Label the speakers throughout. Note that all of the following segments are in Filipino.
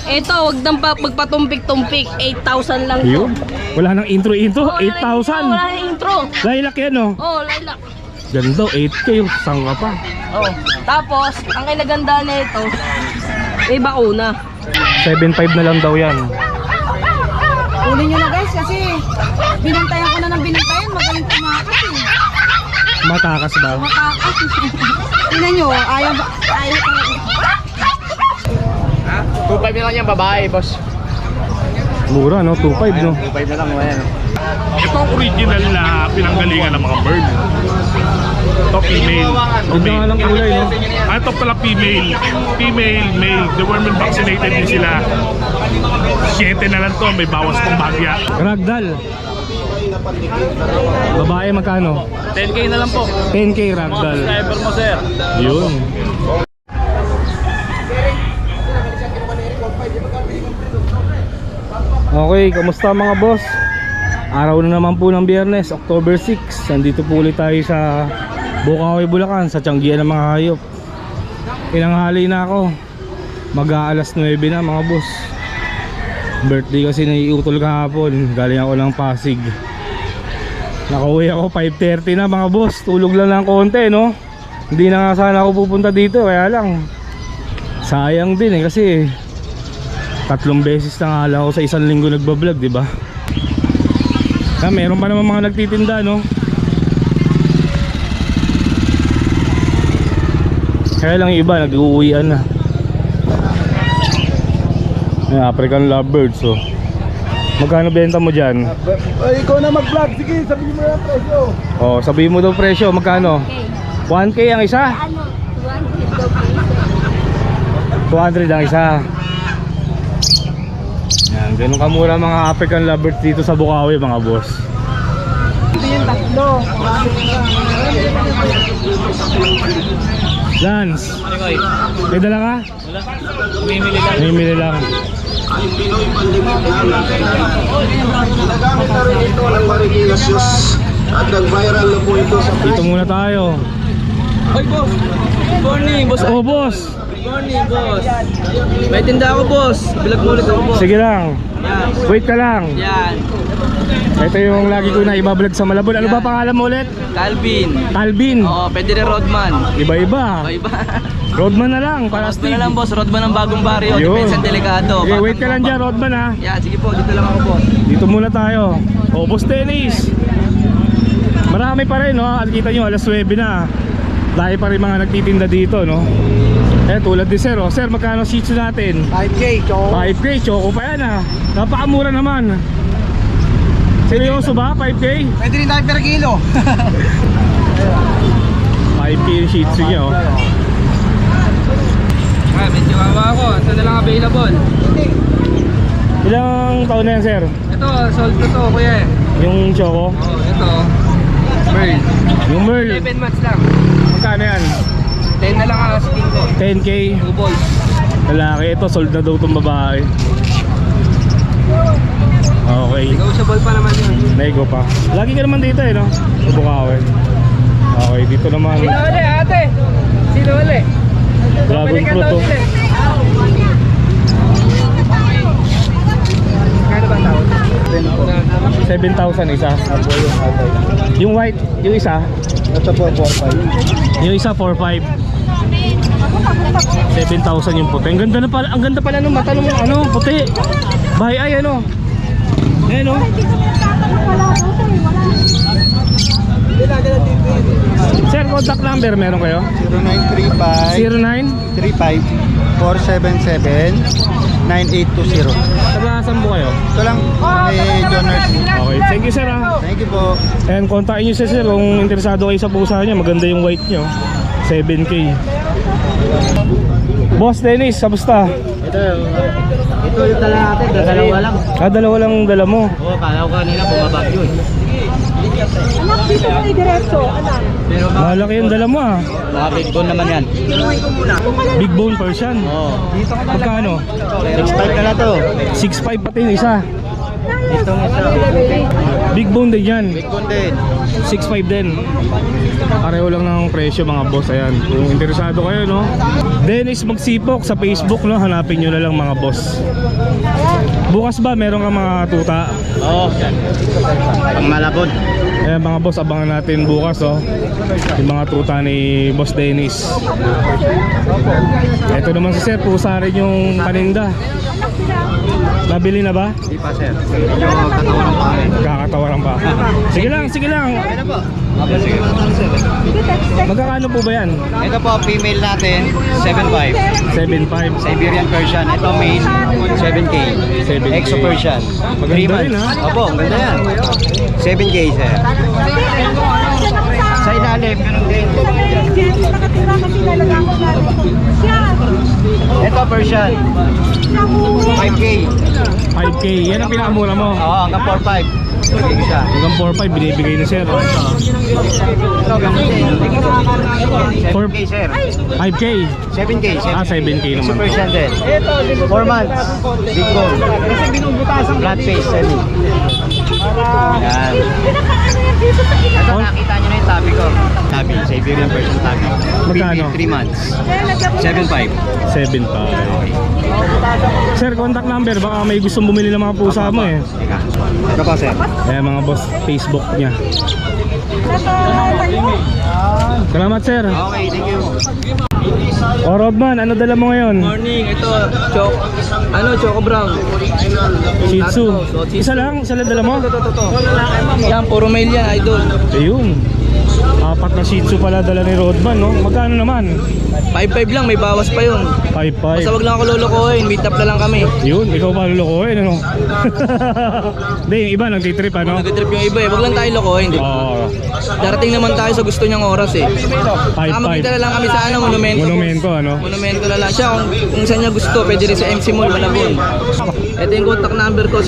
Speaker 1: Ito, wag nang magpatumpik-tumpik. 8,000 lang to.
Speaker 2: Yun. Wala nang intro-intro. 8,000.
Speaker 1: Wala nang intro.
Speaker 2: Lilac yan, no?
Speaker 1: Oh, lilac.
Speaker 2: Ganda, 8K. Saan ka pa?
Speaker 1: Oh. Tapos, ang kinaganda na ito, may bakuna.
Speaker 2: 7.5 na lang daw yan.
Speaker 3: Uli nyo na guys kasi binantayan ko na ng binantayan. Magaling tumakas eh.
Speaker 2: Matakas ba?
Speaker 3: Matakas. Tingnan nyo, ayaw talaga.
Speaker 4: 2.5 na lang yan babae, boss.
Speaker 2: Mura, no? 2.5, no?
Speaker 4: 2.5 na lang, ayan.
Speaker 5: Ito ang original na pinanggalingan ng mga bird. Ito female.
Speaker 2: Ganda nga lang kulay, no?
Speaker 5: Ito pala female. Female, male. The women vaccinated din sila. 7 na lang to. May bawas pang bagya.
Speaker 2: Ragdoll. Babae magkano?
Speaker 4: 10k na lang po.
Speaker 2: 10K ragdoll.
Speaker 4: Subscriber mo, sir.
Speaker 2: Yun. Okay, kamusta mga boss? Araw na naman po ng Biyernes, October 6. Nandito po ulit tayo sa Bukawi, Bulacan, sa Tianggian ng mga hayop. Inanghali na ako. Mag-aalas 9 na mga boss. Birthday kasi naiutol kahapon. Galing ako ng Pasig. Nakauwi ako 5:30 na mga boss. Tulog lang ng konti, no? Hindi na nga sana ako pupunta dito, kaya lang sayang din kasi 3 beses na nga lang ako sa isang linggo nagbablog, di ba? Meron pa naman mga nagtitinda, no? Kaya lang yung iba nag-uuwian na. May African lovebirds, so magkano benta mo dyan?
Speaker 4: Ay, ikaw na mag-vlog. Sige, sabihin mo yung presyo.
Speaker 2: Oh, sabihin mo daw presyo, magkano? 1K ang isa? 200 ang isa. Yan, ganun kamura mga African lovebirds dito sa Bukawi mga boss.
Speaker 3: Ito yung tatlo.
Speaker 2: Lance, may dala ka?
Speaker 4: Wala. Mimili lang.
Speaker 2: Mimili lang.
Speaker 6: Nagamit na rin ito ng Marigilasyos at nag-viral na po ito sa
Speaker 2: Dito muna tayo.
Speaker 4: Hoy, boss. Good morning, boss.
Speaker 2: Oh boss,
Speaker 4: Good morning, boss. May tinda ako, boss. Bilag mo ulit ako, boss.
Speaker 2: sige lang.
Speaker 4: Yan.
Speaker 2: Wait ka lang.
Speaker 4: Yan.
Speaker 2: Ito yung lagi ko na ibablog sa Malabon. Ano ba pangalan mo ulit?
Speaker 4: Calvin.
Speaker 2: Calvin.
Speaker 4: Oo, pwede rin Rodman.
Speaker 2: Iba-iba.
Speaker 4: Iba.
Speaker 2: Roadman na lang para
Speaker 4: Rodman na lang, boss. Rodman ng bagong barrio.
Speaker 2: Yun.
Speaker 4: Defense and Delicado.
Speaker 2: Okay, wait ka lang dyan, Rodman ha.
Speaker 4: Yan, sige po. Dito lang ako, boss.
Speaker 2: Dito muna tayo. O, boss Dennis. Marami pa rin, no? Kita nyo, alas 9 na. Dahil pa rin mga nagtitinda dito, no? Tulad ni Sir, oh. Sir, magkano shih tzu natin?
Speaker 4: 5K, choco.
Speaker 2: 5K, choco pa yan, ha. Napakamura naman. Seryoso ba? 5K?
Speaker 4: Pwede rin tayo per kilo.
Speaker 2: 5K yung shih tzu niya, oh.
Speaker 4: May chihuahua ako. Ito na lang available.
Speaker 2: Ilang taon na yan, Sir?
Speaker 4: Ito, sold ko to, kuya.
Speaker 2: Yung choco?
Speaker 4: Oh, ito. Merl.
Speaker 2: Yung Merl?
Speaker 4: 11 months lang.
Speaker 2: Magkano yan?
Speaker 4: 10 na lang ang asking ko.
Speaker 2: 10K?
Speaker 4: 2 balls.
Speaker 2: Lalaki, ito sold na daw itong babae. Okay,
Speaker 4: Negotiable pa naman yun.
Speaker 2: nego pa. Lagi ka naman dito, no? Sa Bukawi. Okay, dito naman.
Speaker 4: Sino ulit, ate? Sino ulit?
Speaker 2: Dragon fruit, oh.
Speaker 4: Kano ba tawag?
Speaker 2: 7,000 isa. Yung white, yung isa?
Speaker 4: Ito po, 4-5.
Speaker 2: Yung isa 4,500. 7,000 yung puti. Ang ganda na pala, ang ganda pala ng mata ng ano, puti. Bahay ay ano. Ayan oh. Sir, contact number meron kayo?
Speaker 7: 0935
Speaker 2: 09?
Speaker 7: 477-9820.
Speaker 2: Tagasan po kayo?
Speaker 7: Ito lang, John Nurse.
Speaker 2: Okay, thank you sir ha.
Speaker 7: Thank you po.
Speaker 2: And kontakin nyo si sir kung interesado kayo sa pusa niya. Maganda yung white nyo. 7K. Boss Dennis, kamusta?
Speaker 4: Ito yung dala natin, dalawa lang.
Speaker 2: Dalawa lang dala mo.
Speaker 4: Oo, kala ko kanina bumabagyo eh.
Speaker 3: Anak, dito mo i-diretso. Anak.
Speaker 4: Pero
Speaker 2: Malaki yung dala mo ah.
Speaker 4: mga big bone naman yan.
Speaker 2: Big bone Persian.
Speaker 4: Oo.
Speaker 2: Magkano?
Speaker 4: 6.5 na lang to.
Speaker 2: 6'5 pati yung isa.
Speaker 4: Itong isa.
Speaker 2: Big bone din yan.
Speaker 4: Big bone din.
Speaker 2: 6.5 din. Pareho lang ng presyo mga boss. Ayan, kung interesado kayo, no? Dennis Magsipok sa Facebook, no? Hanapin nyo na lang mga boss. Bukas ba meron ka mga tuta?
Speaker 7: Oo. Pang malabon.
Speaker 2: Ayan mga boss, abangan natin bukas, oh. Yung mga tuta ni Boss Dennis. Ito naman si Sir, pusa rin yung paninda. Nabili na ba?
Speaker 7: Hindi pa sir. Medyo katawaran pa rin.
Speaker 2: Kakatawaran pa. Sige lang, sige lang.
Speaker 7: Ano po?
Speaker 2: Magkakano po ba yan?
Speaker 7: Ito po, female natin, 7.5.
Speaker 2: 7.5.
Speaker 7: Siberian Persian. Ito male, 7K.
Speaker 2: 7K.
Speaker 7: Exo Persian.
Speaker 2: Maganda
Speaker 7: 3 months.
Speaker 2: rin, ha?
Speaker 7: Opo, maganda yan. 7K sir. Sa ilalim, ganun din. Ito Persian. 5K.
Speaker 2: 5K. Yan ang pinakamura mo.
Speaker 7: Oo, hanggang 4.5. Bigay siya.
Speaker 2: Hanggang 4.5 binibigay ni Sir.
Speaker 7: Ito, ganun din. 7K sir.
Speaker 2: 5K.
Speaker 7: 7K. 7K.
Speaker 2: 7K naman.
Speaker 7: Exo Persian din. 4 months. Big bone. Flat face. Semi. Yan. Ito nakita nyo na yung tabi ko. Tabi. Siberian Persian tabi.
Speaker 2: Magkano?
Speaker 7: 3 months. 7.5.
Speaker 2: 7.5. Sir, contact number. Baka may gustong bumili ng mga pusa mo eh.
Speaker 7: Ito po sir.
Speaker 2: Ayan mga boss, Facebook niya. Salamat sir.
Speaker 7: Okay, thank you.
Speaker 2: O Rodman, ano dala mo ngayon?
Speaker 4: Morning, ito, Choco Brown.
Speaker 2: Shih Tzu. Isa lang dala mo?
Speaker 4: Yan, puro male yan, idol.
Speaker 2: Ayun. 4 na Shih Tzu pala dala ni Rodman, no? Magkano naman?
Speaker 4: 5-5 lang, may bawas pa yun.
Speaker 2: 5.5.
Speaker 4: Basta wag lang ako lolokohin, meet up na lang kami.
Speaker 2: Yun, ikaw pa lulukohin, ano? Hindi, yung iba nagtitrip, ano?
Speaker 4: Nag-trip yung iba eh, wag lang tayo lokohin, di ba?
Speaker 2: Oo.
Speaker 4: Darating naman tayo sa gusto niyang oras eh.
Speaker 2: 5.5.
Speaker 4: Makita na lang kami sa monumento.
Speaker 2: Monumento, ano?
Speaker 4: Monumento na lang siya, kung saan niya gusto, pwede rin sa MC Mall, Malabon. Ito yung contact number ko,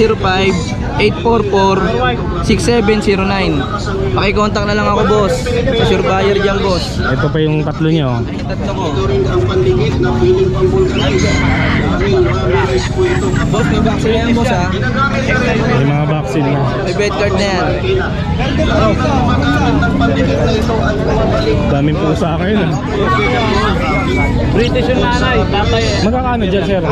Speaker 4: 0905-844-6709. Pakicontact na lang ako, boss. Sa sure buyer dyan, boss.
Speaker 2: Ito pa yung tatlo niya, oh.
Speaker 4: Tatlo ko. Boss, may vaccine yan, boss, ha?
Speaker 2: May mga vaccine na.
Speaker 4: May bed card na yan.
Speaker 2: Daming pusa kayo, no?
Speaker 4: British yung nanay, tatay eh.
Speaker 2: Magkakano dyan, sir?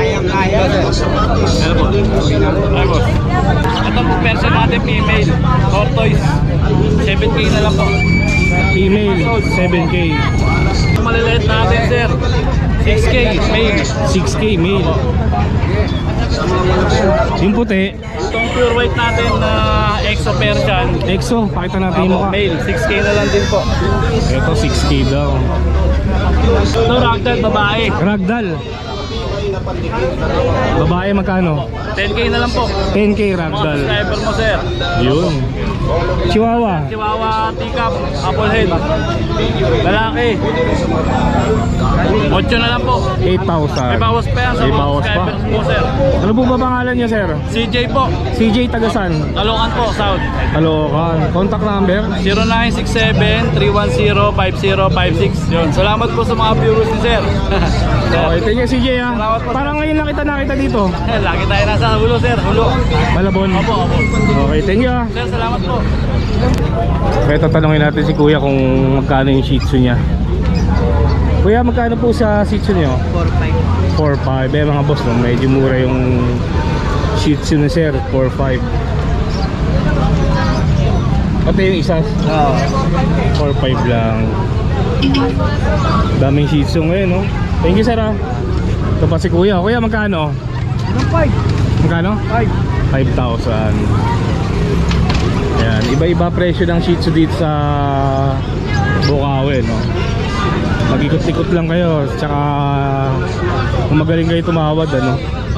Speaker 4: Ito po, person natin, female. Tortoise. 7K na lang po.
Speaker 2: Female, 7K.
Speaker 4: Maliliit natin, sir. 6K, male.
Speaker 2: 6K male. Yung puti,
Speaker 4: Itong pure white natin na Exo Persian.
Speaker 2: EXO, pakita natin yung mukha.
Speaker 4: Male, 6K na lang din po.
Speaker 2: Ito 6K daw.
Speaker 4: Ito, ragdoll, babae.
Speaker 2: Ragdoll. Babae magkano?
Speaker 4: 10K na lang po.
Speaker 2: 10K
Speaker 4: Mga
Speaker 2: ragdoll.
Speaker 4: subscriber mo, sir.
Speaker 2: Yun. Chihuahua.
Speaker 4: Chihuahua, teacup, apple head. Lalaki. 8 na lang po.
Speaker 2: 8,000.
Speaker 4: May bawas pa yan sa
Speaker 2: May
Speaker 4: mga
Speaker 2: bawas pa.
Speaker 4: subscribers mo, sir.
Speaker 2: Ano po ba pangalan niya, sir?
Speaker 4: CJ po.
Speaker 2: CJ Tagasan.
Speaker 4: Talungan po, South.
Speaker 2: Caloocan. Contact number?
Speaker 4: 0967-310-5056. Yun. Salamat po sa mga viewers ni sir.
Speaker 2: Okay, thank you CJ, ha.
Speaker 4: Salamat po.
Speaker 2: Parang ngayon lang kita nakita dito.
Speaker 4: Lagi tayo nasa hulo, sir. Hulo.
Speaker 2: Malabon.
Speaker 4: Opo, opo.
Speaker 2: Okay, thank you, ha.
Speaker 4: Sir, salamat po.
Speaker 2: Kaya tatanungin natin si Kuya kung magkano yung Shih Tzu niya. Kuya, magkano po sa Shih Tzu niyo? 4.5. Eh mga boss, no, medyo mura yung Shih Tzu na sir, 4.5. Pati yung isa, 4.5 lang. Daming Shih Tzu ngayon, no? Thank you, sir, ha. Ito pa si Kuya. Kuya, magkano? 5. Magkano? 5,000. Ayan, iba-iba presyo ng Shih Tzu dito sa Bukawi, no? Mag-ikot-ikot lang kayo, tsaka kung magaling kayo tumawad, ano,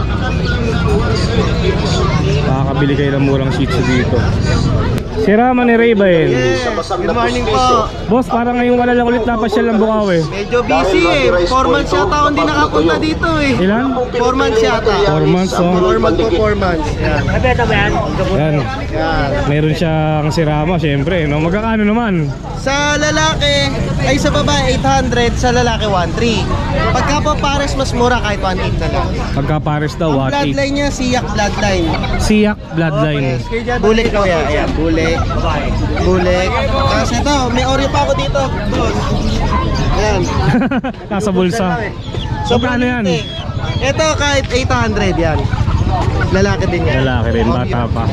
Speaker 2: makakabili kayo ng murang Shih Tzu dito. Si Rama ni Raybael.
Speaker 7: Good morning po.
Speaker 2: Boss, parang ngayong wala lang ulit napasyal ng Bukawi.
Speaker 7: Medyo busy eh. 4 months yata ako hindi nakapunta dito eh.
Speaker 2: Ilan?
Speaker 7: 4 months yata.
Speaker 2: 4 months, oh.
Speaker 7: 4 months po, 4 months. Yan.
Speaker 2: Yan.
Speaker 7: Yan.
Speaker 2: Meron siyang si Rama, syempre, no? Magkakano naman?
Speaker 7: Sa lalaki, ay sa babae 800, sa lalaki 1.3. Pagka po pares mas mura kahit 1.8 na lang.
Speaker 2: Pagka pares pares daw,
Speaker 7: Ang
Speaker 2: 1.8.
Speaker 7: bloodline niya, Siyak bloodline.
Speaker 2: Siyak bloodline.
Speaker 7: Bulik kuya, ayan, bulik. Bulik. Tapos ito, may oreo pa ako dito. Boss. Ayan.
Speaker 2: Nasa bulsa. So, paano yan?
Speaker 7: Ito kahit 800 yan. Lalaki din yan.
Speaker 2: Lalaki rin, bata pa.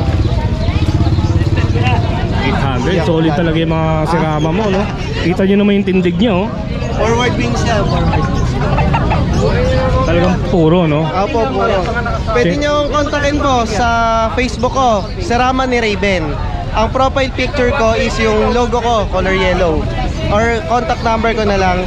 Speaker 2: 800, solid talaga yung mga sirama mo, no? Kita nyo naman yung tindig nyo, oh.
Speaker 7: Forward wings yan, forward wings.
Speaker 2: Talagang puro, no?
Speaker 7: Opo, puro. Pwede nyo kontakin po sa Facebook ko, Serama ni Raven. Ang profile picture ko is yung logo ko, color yellow. Or contact number ko na lang,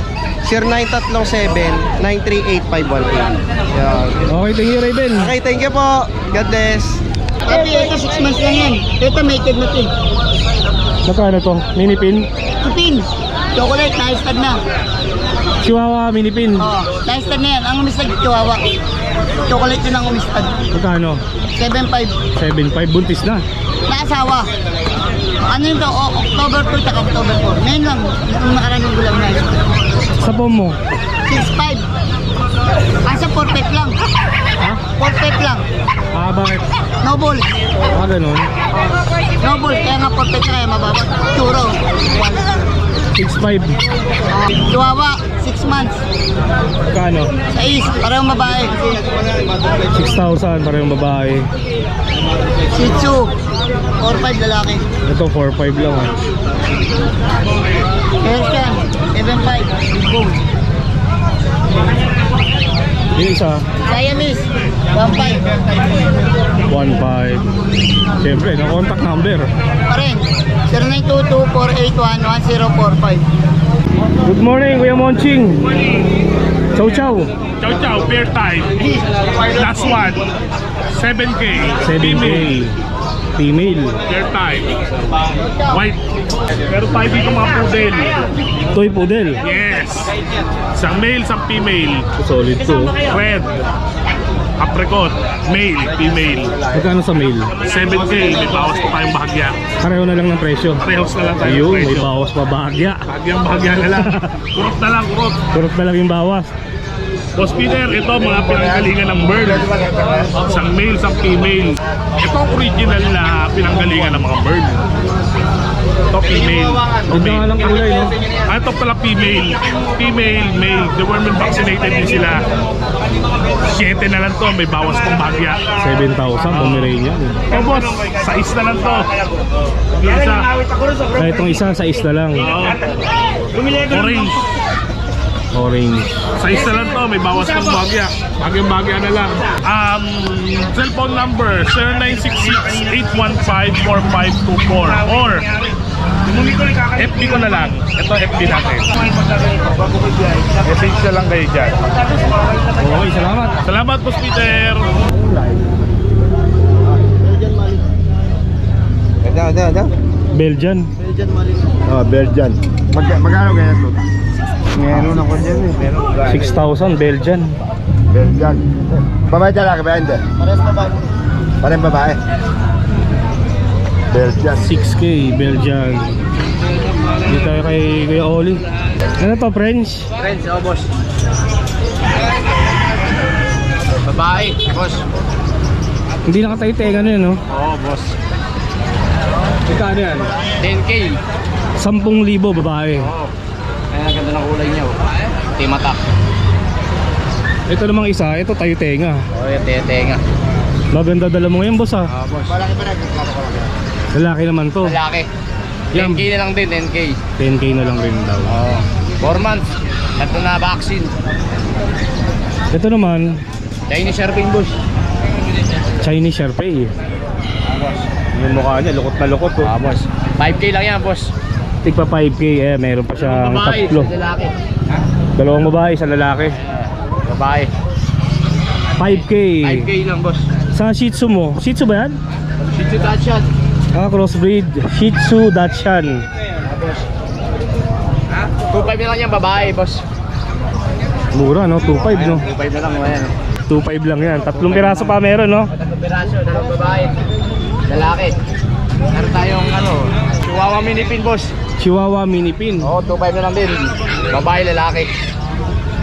Speaker 7: 0937-938-518. Yan.
Speaker 2: Okay, thank you, Raven.
Speaker 7: Okay, thank you po. God bless.
Speaker 3: Sabi, ito 6 months lang yan. Ito mated na ito.
Speaker 2: Magkano to? Mini pin?
Speaker 3: Pupin. Chocolate, na-stud na.
Speaker 2: Chihuahua mini pin.
Speaker 3: Oo, na-stud na yan. Ang umistad, chihuahua. Chocolate yun ang umistad.
Speaker 2: Magkano?
Speaker 3: 7.5.
Speaker 2: 7.5, buntis na.
Speaker 3: Naasawa. Ano yun to? October 2 at October 4. Ngayon lang. Nung nakaraning gulang na.
Speaker 2: Sa pom mo?
Speaker 3: 6.5. Asa 4 lang.
Speaker 2: Ha?
Speaker 3: 4 lang.
Speaker 2: Ah, bakit?
Speaker 3: Noble.
Speaker 2: Ah, ganun.
Speaker 3: Noble. Kaya nga 4 kaya mababa. Churo.
Speaker 2: 6.5.
Speaker 3: Chihuahua. 6 months.
Speaker 2: Magkano?
Speaker 3: 6. Parang babae.
Speaker 2: 6,000 para yung babae.
Speaker 3: Shih Tzu. 4-5 lalaki.
Speaker 2: Ito 4.5 lang, ah.
Speaker 3: Persian. 7.5. Boom.
Speaker 2: Yung isa,
Speaker 3: Siamese. 1.5.
Speaker 2: 1.5. Siyempre, na contact number.
Speaker 3: Pa rin. 0922-481-1045.
Speaker 2: Good morning, Kuya Monching. Chow chow.
Speaker 5: Chow chow, pair type. Last one. 7K.
Speaker 2: 7K. Female.
Speaker 5: Pair type. White. Pero tayo dito mga poodle.
Speaker 2: Toy poodle.
Speaker 5: Yes. Isang male, isang female.
Speaker 2: Solid to.
Speaker 5: Red. Apricot. Male, female.
Speaker 2: Magkano sa male?
Speaker 5: 7K. May bawas pa tayong bahagya.
Speaker 2: Pareho na lang ng presyo.
Speaker 5: Parehos na lang tayo.
Speaker 2: Ayun, may
Speaker 5: presyo.
Speaker 2: bawas pa bahagya.
Speaker 5: Bahagya na lang. Kurot na lang, kurot.
Speaker 2: Kurot na lang yung bawas.
Speaker 5: Boss Peter, ito mga pinanggalingan ng bird. Isang male, isang female. Ito ang original na pinanggalingan ng mga bird. Ito female.
Speaker 2: Ganda nga lang kulay, no?
Speaker 5: Ah, ito pala female. Female, male. The women vaccinated din sila. 7 na lang to, may bawas pang bagya.
Speaker 2: 7,000, Pomeranian.
Speaker 5: Ito boss, 6 na lang to. Yung isa,
Speaker 2: Kaya itong isa, sa isla lang.
Speaker 5: orange.
Speaker 2: Orange.
Speaker 5: 6 na lang to, may bawas pang bagya. Bagyang-bagya na lang. Cellphone number 0966-815-4524 or FB ko na lang. Ito FB natin. Message na lang kayo dyan.
Speaker 2: Okay, salamat.
Speaker 5: Salamat, Boss Peter.
Speaker 2: Belgian.
Speaker 6: Belgian. Magkano ganyan to?
Speaker 7: Meron ako dyan eh. Pero
Speaker 2: 6,000, Belgian.
Speaker 6: Belgian. Babae talaga ba hindi?
Speaker 7: pares na ba?
Speaker 6: Parang babae. Belgian.
Speaker 2: 6K, Belgian. Dito tayo kay Kuya Oli. Ano to, French?
Speaker 7: Friends, oh boss. Babae, boss.
Speaker 2: Hindi nakatayo-tenga na yun, no?
Speaker 7: Oo, boss.
Speaker 2: Magkano yan?
Speaker 7: 10K.
Speaker 2: 10,000 babae.
Speaker 7: Oo. Kaya ganda ng kulay niya, oh. Timatak.
Speaker 2: Ito namang isa, ito tayo-tenga.
Speaker 7: Oo, yung tenga.
Speaker 2: Maganda dala mo ngayon, boss, ah.
Speaker 7: Oo, boss.
Speaker 2: Lalaki naman to.
Speaker 7: Lalaki.
Speaker 2: Yan.
Speaker 7: 10K na lang din, 10K.
Speaker 2: 10K na lang rin daw.
Speaker 7: Oo. 4 months. Tatlo na vaccine.
Speaker 2: Ito naman,
Speaker 7: Chinese Sherping, boss.
Speaker 2: Chinese Sharpei.
Speaker 7: Boss.
Speaker 2: Yung mukha niya, lukot na lukot, oh.
Speaker 7: Boss. 5K lang yan, boss.
Speaker 2: Tigpa 5K, eh, meron pa siyang
Speaker 7: Babae,
Speaker 2: tatlo.
Speaker 7: lalaki.
Speaker 2: Dalawang babae, isang lalaki.
Speaker 7: Babae.
Speaker 2: 5K.
Speaker 7: 5K lang, boss.
Speaker 2: Sa Shih Tzu mo, Shih Tzu ba yan?
Speaker 7: Shih Tzu Dachshund.
Speaker 2: Ah, crossbreed. Shih Tzu Dachshund.
Speaker 7: 2.5 na lang yan, babae, boss.
Speaker 2: Mura, no? 2.5, no?
Speaker 7: 2.5 na lang, ayan.
Speaker 2: 2.5 lang yan. 3 piraso pa meron, no?
Speaker 7: Tatlong piraso, dalawang babae. Lalaki. Meron tayong Chihuahua mini pin, boss.
Speaker 2: Chihuahua mini pin.
Speaker 7: Oo, 2.5 na lang din. Babae, lalaki.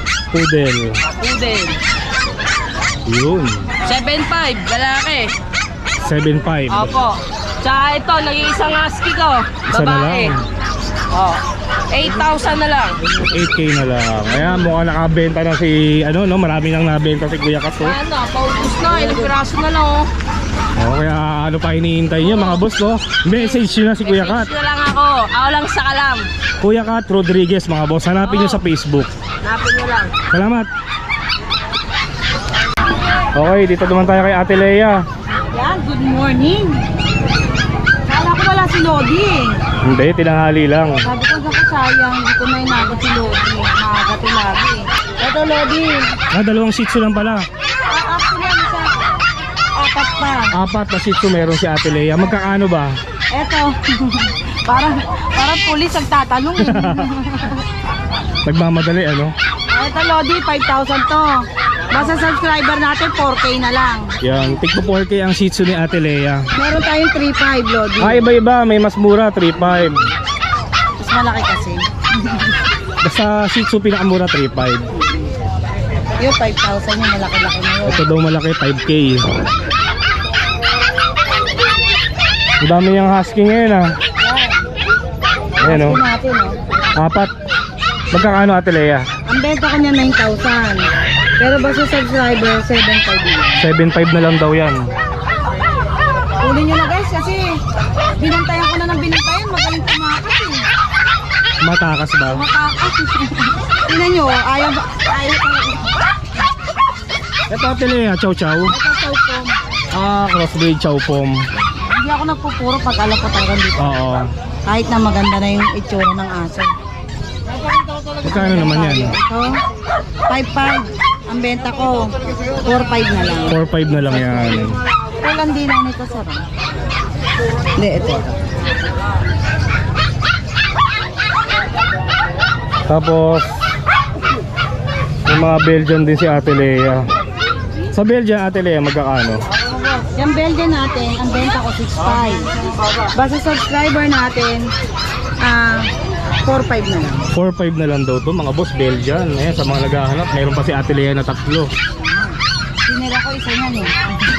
Speaker 2: Poodle.
Speaker 1: Poodle.
Speaker 2: Yun.
Speaker 1: 7.5, lalaki.
Speaker 2: 7.5.
Speaker 1: Opo. Tsaka ito, nag-iisang husky ko.
Speaker 2: Isa na
Speaker 1: Babae.
Speaker 2: lang.
Speaker 1: Oh. 8,000 na lang.
Speaker 2: 8K na lang. Ayan, mukhang nakabenta na si, ano, no? Marami nang nabenta si Kuya Kat, oh.
Speaker 1: Ano, paubos na. Ilang piraso na lang, oh.
Speaker 2: Oh, kaya ano pa hinihintay nyo mga boss, no? Message nyo na si Kuya Kat.
Speaker 1: Message na lang ako. Ako lang sa kalam.
Speaker 2: Kuya Kat Rodriguez, mga boss. Hanapin nyo sa Facebook.
Speaker 1: Hanapin nyo lang.
Speaker 2: Salamat. Okay, dito naman tayo kay Ate Lea.
Speaker 3: Yan, good morning. Kala ko wala si Lodi eh.
Speaker 2: Hindi, tinanghali lang.
Speaker 3: Sabi ko, naku sayang, hindi ko na inabot si Lodi. Makagati lagi. Ito Lodi.
Speaker 2: Dalawang shih tzu lang pala.
Speaker 3: Actually, ano siya? Apat pa.
Speaker 2: 4 na shih tzu meron si Ate Lea. Magkakaano ba?
Speaker 3: Ito. parang pulis ang tatanong.
Speaker 2: Nagmamadali, ano?
Speaker 3: Ito Lodi, 5,000 to. Basta subscriber natin, 4K na lang.
Speaker 2: Yan, tigpo 4K ang shih tzu ni Ate Lea.
Speaker 3: Meron tayong 3,500 Lodi.
Speaker 2: Iba-iba, may mas mura, 3.5.
Speaker 3: Mas malaki kasi.
Speaker 2: Basta shih tzu pinakamura, 3.5.
Speaker 3: Yung 5,000 yung malaki-laki na yun.
Speaker 2: Ito daw malaki, 5K. Ang dami niyang husky ngayon, ah. Ayan, oh.
Speaker 3: Natin, oh.
Speaker 2: 4. Magkakaano, Ate Lea?
Speaker 3: Ang benta ko niya 9,000. Pero basta subscriber, 7,500.
Speaker 2: 7.5 na lang daw yan.
Speaker 3: Huli nyo na guys kasi binantayan ko na ng binantayan. Magaling tumakas eh.
Speaker 2: Matakas ba?
Speaker 3: Matakas. Tingnan nyo, ayaw talaga.
Speaker 2: Ito, Ate Lea, chow chow.
Speaker 3: Ito chow pom.
Speaker 2: Crossbreed chow pom.
Speaker 3: Hindi ako nagpupuro pag alam ko talaga dito.
Speaker 2: Oo.
Speaker 3: Kahit na maganda na yung itsura ng aso.
Speaker 2: Magkano naman yan?
Speaker 3: Ito, 5,500. Ang benta ko, 4,500 na lang.
Speaker 2: 4.5 na lang yan.
Speaker 3: Walang din lang nito sir. Hindi, ito.
Speaker 2: Tapos yung mga Belgian din si Ate Lea. Sa Belgian, Ate Lea, magkakaano?
Speaker 3: Yung Belgian natin, ang benta ko 6,500. Basta subscriber natin, 4,500 na lang.
Speaker 2: 4.5 na lang daw to mga boss, Belgian. Ayan, sa mga naghahanap, mayroon pa si Ate Lea na 3.
Speaker 3: Sinira ko isa yan eh.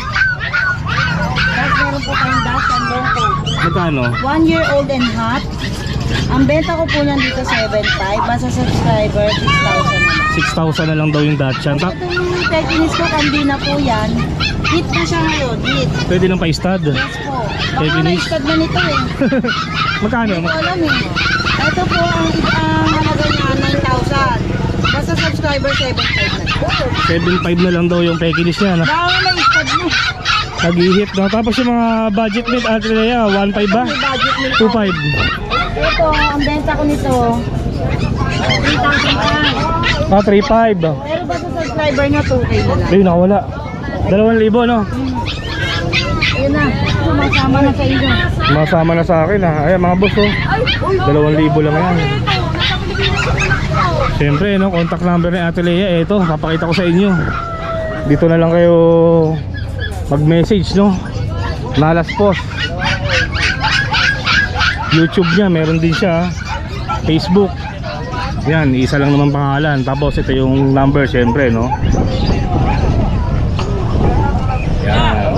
Speaker 3: Tapos meron po tayong dash and long coat.
Speaker 2: Magkano?
Speaker 3: 1 year old and hot. Ang benta ko po yan dito 7,500. Basta subscriber, 6,000 na lang.
Speaker 2: 6,000 na lang daw yung Dachshund.
Speaker 3: Itong Pekinis ko, kandi na po yan. Hit na siya ngayon, hit.
Speaker 2: Pwede lang pa-stud.
Speaker 3: Yes po. Baka
Speaker 2: Pekinis.
Speaker 3: na-stud na nito eh.
Speaker 2: Magkano?
Speaker 3: Hindi ko alam eh. Ito po ang halaga niya 9,000. Basta subscriber 7,500 na.
Speaker 2: 7.5 na lang daw yung Pekinis niya.
Speaker 3: Baka na-stud mo.
Speaker 2: Nag-hit na. Tapos yung mga budget meat, Ate Lea, 1.5 ba?
Speaker 3: May budget nito.
Speaker 2: 2.5.
Speaker 3: Ito, ang benta ko nito 3,000 pa.
Speaker 2: 3.5.
Speaker 3: Pero basta subscriber niya 2K na lang.
Speaker 2: Ayun, nakawala. 2,000, no?
Speaker 3: Ayun na, sumasama na sa inyo.
Speaker 2: Masama na sa akin, ha. Ayan, mga boss, oh. 2,000 lang yan. Siyempre, no, contact number ni Ate Lea, ito, papakita ko sa inyo. Dito na lang kayo mag-message, no. Malas Post. YouTube niya, meron din siya. Facebook. Yan, isa lang naman pangalan. Tapos ito yung number, siyempre, no. Yan.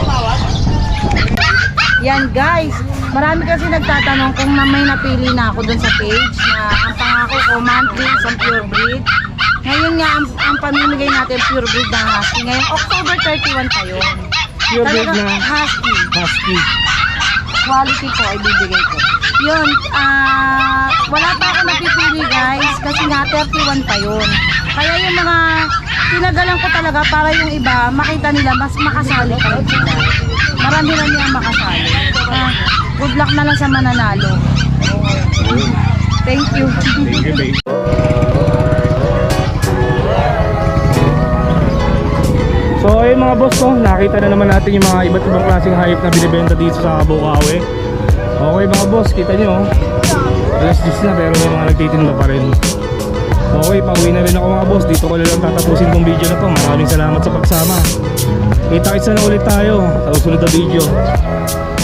Speaker 3: Yan guys, marami kasi nagtatanong kung may napili na ako dun sa page na ang pangako ko monthly isang pure breed. Ngayon nga ang pamimigay natin pure breed ng husky. Ngayon October 31 pa yun.
Speaker 2: Pure breed
Speaker 3: Talagang
Speaker 2: na
Speaker 3: husky.
Speaker 2: husky.
Speaker 3: Quality po ay bibigay ko. Yun, wala pa ako napipili guys kasi nga 31 pa yun. Kaya yung mga tinagalan ko talaga para yung iba makita nila mas makasali pa rin sila. Marami-rami ang makasali. Good luck na lang sa mananalo. Thank you.
Speaker 2: Thank you, babe. So ayun mga boss, no, nakita na naman natin yung mga iba't ibang klaseng hayop na binibenta dito sa Bukawi. Okay mga boss, kita nyo, alas 10 na pero may mga nagtitinda pa rin. Okay, pauwi na rin ako mga boss. Dito ko na lang tatapusin tong video na to. Maraming salamat sa pagsama. Kita-kits na ulit tayo sa susunod na video.